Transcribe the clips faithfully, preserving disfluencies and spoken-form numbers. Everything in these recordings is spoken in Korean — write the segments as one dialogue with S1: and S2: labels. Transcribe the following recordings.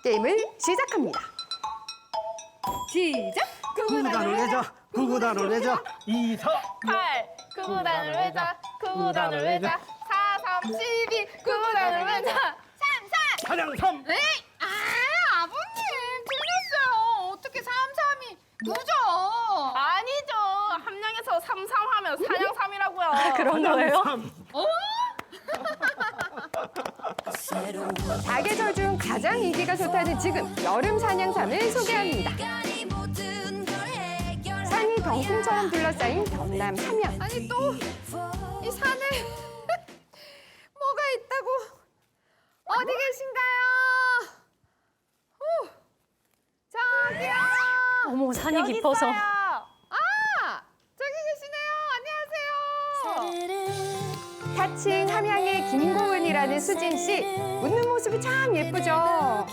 S1: 게임을 시작합니다. 시작!
S2: 구구단을 외자, 구구단을 외자, 이사.
S3: 팔, 구구단을 외자, 구구단을 외자, 사, 삼, 십이, 구구단을 외자, 삼, 사.
S2: 사냥삼.
S3: 네? 아, 아버님 틀렸어요. 어떻게 삼, 삼이 누죠? 아니죠. 함량에서 삼, 삼 하면 사냥삼이라고요.
S1: 그런 거예요?
S2: 사냥삼.
S1: 사계절 중 가장 인기가 좋다는 지금 여름 사냥삼을 소개합니다. 산이 덩굴처럼 둘러싸인 경남 삼양.
S3: 아니 또 이 산에 뭐가 있다고? 어디 계신가요? 후, 저기요.
S4: 어머, 산이
S3: 여기
S4: 깊어서.
S3: 있어요. 아, 저기 계시네요. 안녕하세요.
S1: 타칭 함양의 김고은이라는 수진 씨. 웃는 모습이 참 예쁘죠.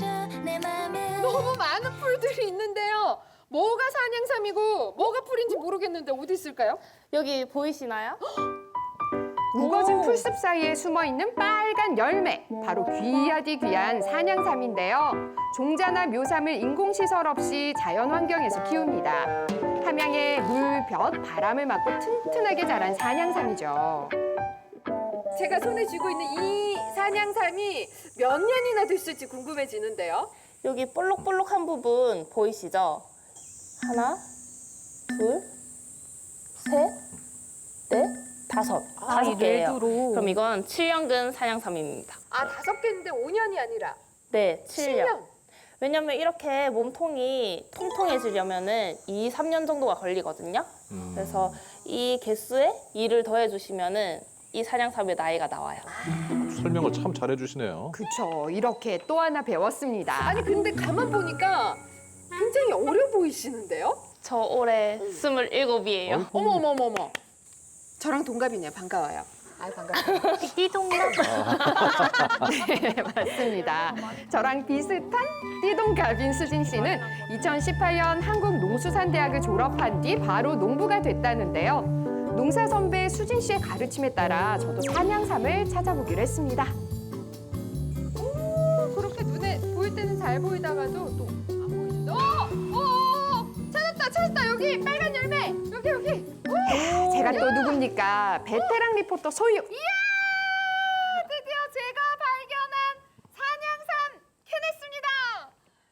S5: 너무 많은 풀들이 있는데요. 뭐가 산양삼이고 뭐가 풀인지 모르겠는데 어디 있을까요?
S3: 여기 보이시나요?
S1: 우거진 풀숲 사이에 숨어있는 빨간 열매. 바로 귀하디 귀한 산양삼인데요. 종자나 묘삼을 인공시설 없이 자연환경에서 키웁니다. 함양의 물, 볕, 바람을 맞고 튼튼하게 자란 산양삼이죠.
S5: 제가 손에 쥐고 있는 이 산양삼이 몇 년이나 됐을지 궁금해지는데요.
S3: 여기 볼록볼록한 부분 보이시죠? 하나, 둘, 셋, 넷, 다섯.
S4: 아,
S3: 다섯
S4: 이
S3: 개예요.
S4: 뇌두로.
S3: 그럼 이건 칠 년근 사냥삼입니다.
S5: 아, 다섯 개인데 오 년이 아니라
S3: 네, 칠 년.
S5: 칠 년.
S3: 왜냐면 이렇게 몸통이 통통해지려면은 이, 삼 년 정도가 걸리거든요. 그래서 이 개수에 이를 더해주시면은 이 사냥삼의 나이가 나와요.
S6: 설명을 참 잘해주시네요.
S1: 그쵸. 이렇게 또 하나 배웠습니다.
S5: 아니 근데 가만 보니까 굉장히 어려 보이시는데요?
S3: 저 올해 스물일곱이에요.
S5: 어머 어머 어머 어머. 저랑 동갑이네요. 반가워요. 아, 반가워요.
S4: 띠동갑.
S1: 네, 맞습니다. 저랑 비슷한 띠동갑인 수진 씨는 이천십팔 년 한국농수산대학을 졸업한 뒤 바로 농부가 됐다는데요. 농사 선배 수진 씨의 가르침에 따라 저도 산양삼을 찾아보기로 했습니다.
S5: 오, 그렇게 눈에 보일 때는 잘 보이다가도 또 안 보이는데. 어! 어! 어! 찾았다 찾았다 여기 빨간 열매 여기 여기.
S1: 제가 또 누굽니까? 베테랑 리포터 소유.
S5: 이야! 드디어 제가 발견한 산양삼 캐냈습니다.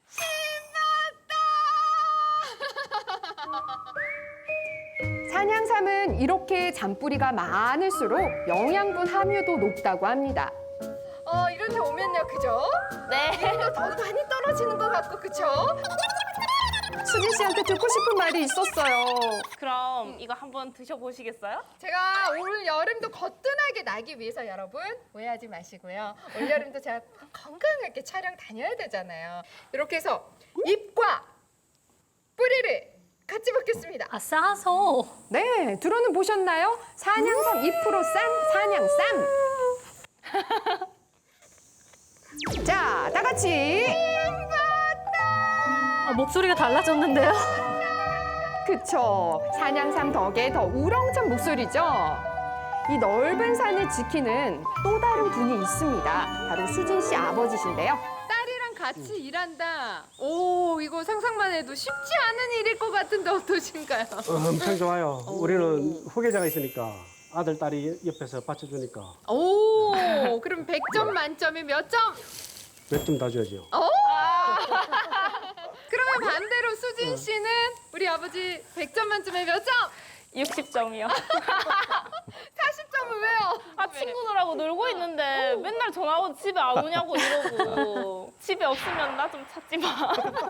S5: 신났다!
S1: 산양삼은 이렇게 잔뿌리가 많을수록 영양분 함유도 높다고 합니다.
S5: 어, 이런데 오면요, 그죠?
S3: 네.
S5: 또 더 많이 떨어지는 것 같고, 그쵸?
S1: 수진 씨한테 듣고 싶은 말이 있었어요.
S3: 그럼 이거 한번 드셔보시겠어요?
S5: 제가 올 여름도 거뜬하게 나기 위해서 여러분 오해하지 마시고요. 올 여름도 제가 건강하게 촬영 다녀야 되잖아요. 이렇게 해서 잎과 뿌리를 같이 먹겠습니다.
S4: 아, 싸서.
S1: 네, 들어는 보셨나요? 산양삼 잎으로 싼 산양쌈. 자, 다 같이.
S4: 아, 목소리가 달라졌는데요?
S1: 그쵸. 산양삼 덕에 더 우렁찬 목소리죠. 이 넓은 산을 지키는 또 다른 분이 있습니다. 바로 수진 씨 아버지신데요.
S5: 딸이랑 같이 일한다. 오, 이거 상상만 해도 쉽지 않은 일일 것 같은데 어떠신가요?
S2: 엄청 좋아요. 우리는 후계자가 있으니까 아들, 딸이 옆에서 받쳐주니까
S5: 오, 그럼 백 점 만점에 몇 점?
S2: 몇 점 다 줘야죠.
S5: 오! 그러면 반대로 수진 씨는 우리 아버지 백 점 만점에 몇 점?
S3: 육십 점이요.
S5: 사십 점은 왜요?
S3: 아, 친구들하고 놀고 있는데 맨날 전화하고 집에 안 오냐고 이러고. 집에 없으면 나 좀 찾지 마.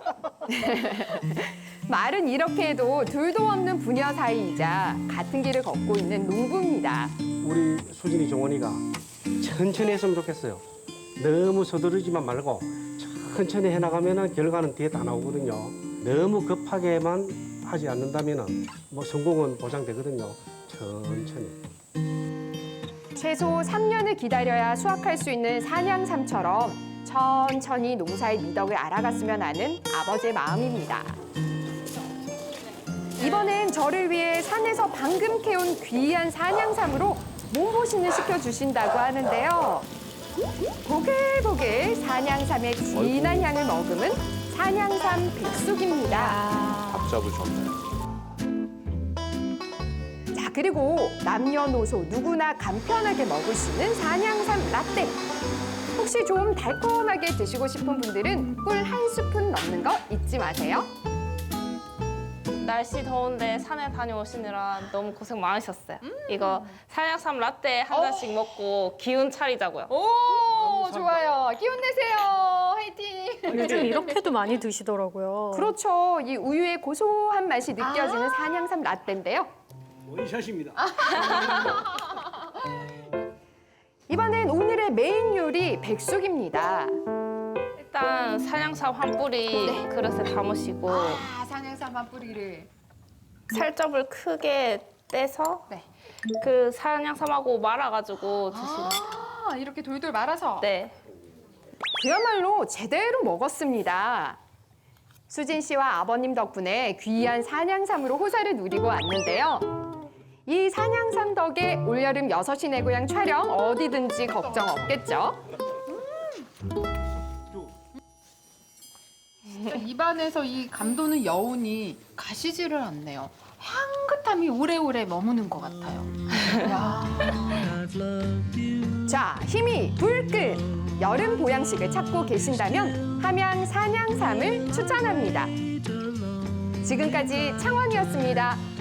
S1: 말은 이렇게 해도 둘도 없는 부녀 사이이자 같은 길을 걷고 있는 농부입니다.
S2: 우리 수진이 종원이가 천천히 했으면 좋겠어요. 너무 서두르지만 말고 천천히 해나가면 결과는 뒤에 다 나오거든요. 너무 급하게만 하지 않는다면 뭐 성공은 보장되거든요. 천천히.
S1: 최소 삼 년을 기다려야 수확할 수 있는 산양삼처럼 천천히 농사의 미덕을 알아갔으면 하는 아버지의 마음입니다. 이번엔 저를 위해 산에서 방금 캐온 귀한 산양삼으로 몸보신을 시켜주신다고 하는데요. 보글보글 산양삼의 진한 향을 머금은 산양삼 백숙입니다.
S6: 밥 잡으셨네.
S1: 자, 그리고 남녀노소 누구나 간편하게 먹을 수 있는 산양삼 라떼. 혹시 좀 달콤하게 드시고 싶은 분들은 꿀 한 스푼 넣는 거 잊지 마세요.
S3: 날씨 더운데 산에 다녀오시느라 너무 고생 많으셨어요. 이거 산양삼 라떼 한 잔씩 먹고 기운 차리자고요.
S5: 오, 좋아요. 기운 내세요. 화이팅.
S4: 요즘 이렇게도 많이 드시더라고요.
S1: 그렇죠. 이 우유의 고소한 맛이 느껴지는 산양삼 라떼인데요.
S2: 원샷입니다.
S1: 이번엔 오늘의 메인 요리 백숙입니다.
S3: 일단 산양삼 한 뿌리 그릇에 담으시고
S5: 아, 산양삼 한 뿌리를.
S3: 살점을 크게 떼서
S5: 네.
S3: 그 산양삼하고 말아가지고 드시면
S5: 아, 이렇게 돌돌 말아서.
S3: 네.
S1: 그야말로 제대로 먹었습니다. 수진 씨와 아버님 덕분에 귀한 산양삼으로 호사를 누리고 왔는데요. 이 산양삼 덕에 올여름 여섯 시 내 고향 촬영 어디든지 걱정 없겠죠?
S5: 입안에서 이 감도는 여운이 가시지를 않네요. 향긋함이 오래오래 머무는 것 같아요. 야.
S1: 자, 힘이 불끈 여름 보양식을 찾고 계신다면 함양 산양삼을 추천합니다. 지금까지 창원이었습니다.